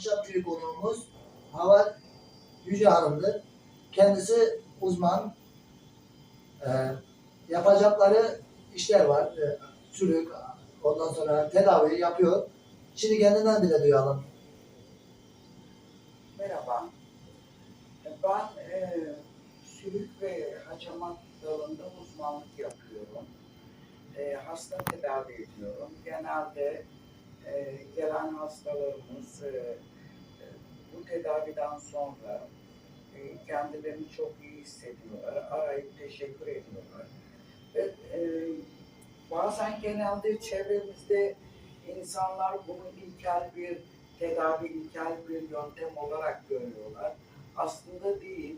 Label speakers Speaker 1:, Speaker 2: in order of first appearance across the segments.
Speaker 1: akşamki konuğumuz Havar Yüce Hanım'dır. Kendisi uzman. Ee, Yapacakları işler var. Sülük, ondan sonra tedavi yapıyor. Şimdi kendinden bile duyalım.
Speaker 2: Merhaba. Ben sülük ve hacamat dalında uzmanlık yapıyorum. Hasta tedavi ediyorum. Genelde gelen hastalarımız bu tedaviden sonra kendilerini çok iyi hissediyorlar. Arayıp teşekkür ediyorlar. Ve bazen genelde çevremizde insanlar bunu ilkel bir tedavi, ilkel bir yöntem olarak görüyorlar. Aslında değil.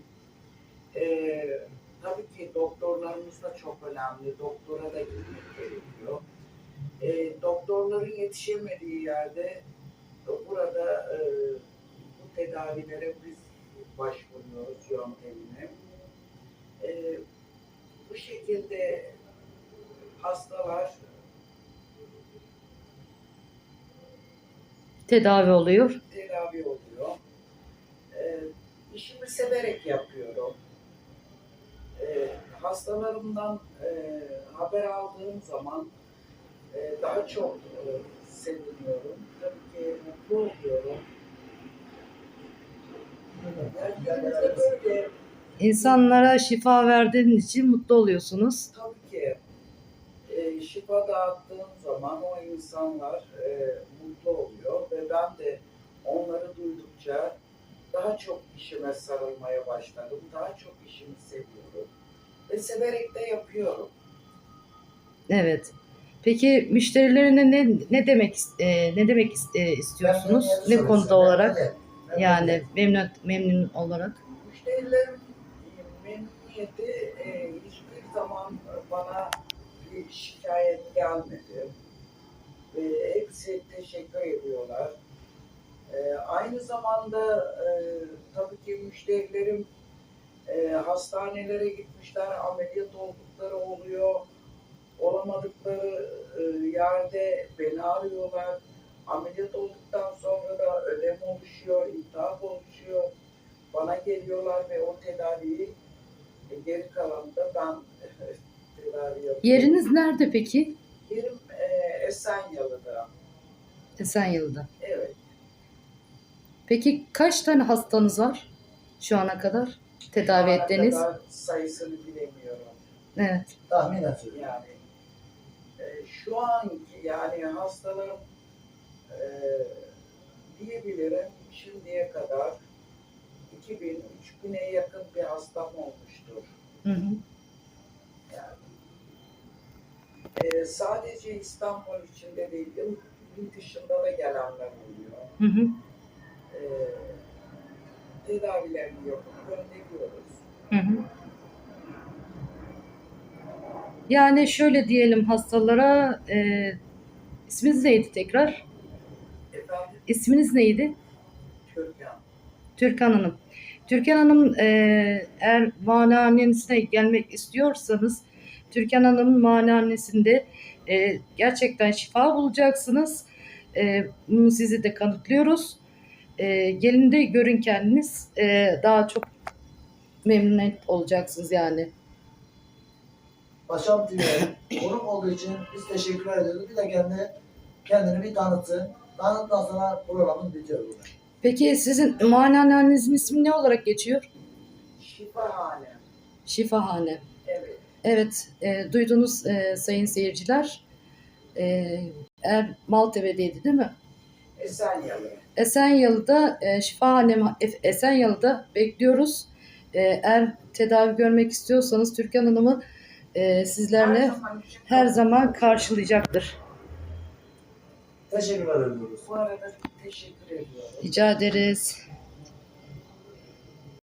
Speaker 2: Tabii ki doktorlarımız da çok önemli. Doktora da gitmek gerekiyor. Doktorların yetişemediği yerde burada bu tedavilere biz başvuruyoruz yöntemine. Bu şekilde hastalar
Speaker 3: tedavi oluyor.
Speaker 2: İşimi severek yapıyorum. Hastalarımdan haber aldığım zaman daha çok seviniyorum. Tabii ki mutlu oluyorum. Ülkemizde böyle
Speaker 3: İnsanlara şifa verdiğin için mutlu oluyorsunuz.
Speaker 2: tabii ki şifa dağıttığım zaman o insanlar mutlu oluyor ve ben de onları duydukça daha çok işime sarılmaya başladım. Daha çok işimi seviyorum ve severek de yapıyorum.
Speaker 3: Evet. Peki müşterilerine ne demek istiyorsunuz? Ne konuda olarak? Yani memnun olarak.
Speaker 2: Müşterilerin memnuniyeti hiçbir zaman bana bir şikayet gelmedi. Hepsi teşekkür ediyorlar. Aynı zamanda tabii ki müşterilerim hastanelere gitmişler, ameliyat oldukları oluyor. Olamadıkları yerde beni arıyorlar. Ameliyat olduktan sonra da ödem oluşuyor, iltihap oluşuyor. Bana geliyorlar ve o tedaviyi geri kalanında ben tedavi yapıyorum.
Speaker 3: Yeriniz nerede peki?
Speaker 2: Yerim Esenyalı'da.
Speaker 3: Esenyurt'ta.
Speaker 2: Evet.
Speaker 3: Peki kaç tane hastanız var şu ana kadar tedavi ettiğiniz?
Speaker 2: Kadar sayısını bilemiyorum.
Speaker 3: Evet.
Speaker 1: Tahminen söylüyorum.
Speaker 2: Yani şu anki yani hastalarım diyebilirim şimdiye kadar 2000-3000'e yakın bir hastam olmuştur.
Speaker 3: Hı hı.
Speaker 2: Yani, sadece İstanbul içinde değil, il dışında da gelenler oluyor.
Speaker 3: Hı hı.
Speaker 2: Tedavilerini yapıp gönderiyoruz.
Speaker 3: Hı hı. Yani şöyle diyelim hastalara, isminiz neydi tekrar?
Speaker 2: Efendim,
Speaker 3: İsminiz neydi?
Speaker 2: Türkan.
Speaker 3: Türkan Hanım. Türkan Hanım, eğer muayenehanesine gelmek istiyorsanız Türkan Hanım'ın muayenehanesinde gerçekten şifa bulacaksınız. Bunu sizi de kanıtlıyoruz. Gelin de görün kendiniz. Daha çok memnun olacaksınız yani.
Speaker 1: Başam TV'ye konuk olduğu için biz teşekkür ediyoruz. Bir de kendini bir tanıtsın. Tanıttıktan sonra programımız bitiyor burada.
Speaker 3: Peki sizin muayenehanenizin ismi ne olarak geçiyor?
Speaker 2: Şifahane.
Speaker 3: Şifahane.
Speaker 2: Evet.
Speaker 3: Evet, duydunuz sayın seyirciler. Maltepe'deydi değil mi?
Speaker 2: Esenyalı.
Speaker 3: Esenyalı'da Esenyalı'da bekliyoruz. Eğer tedavi görmek istiyorsanız Türkan Hanım'ı sizlerle her zaman karşılayacaktır.
Speaker 1: Teşekkürler ediyoruz.
Speaker 2: Bu arada teşekkür ediyorum.
Speaker 3: Rica ederiz.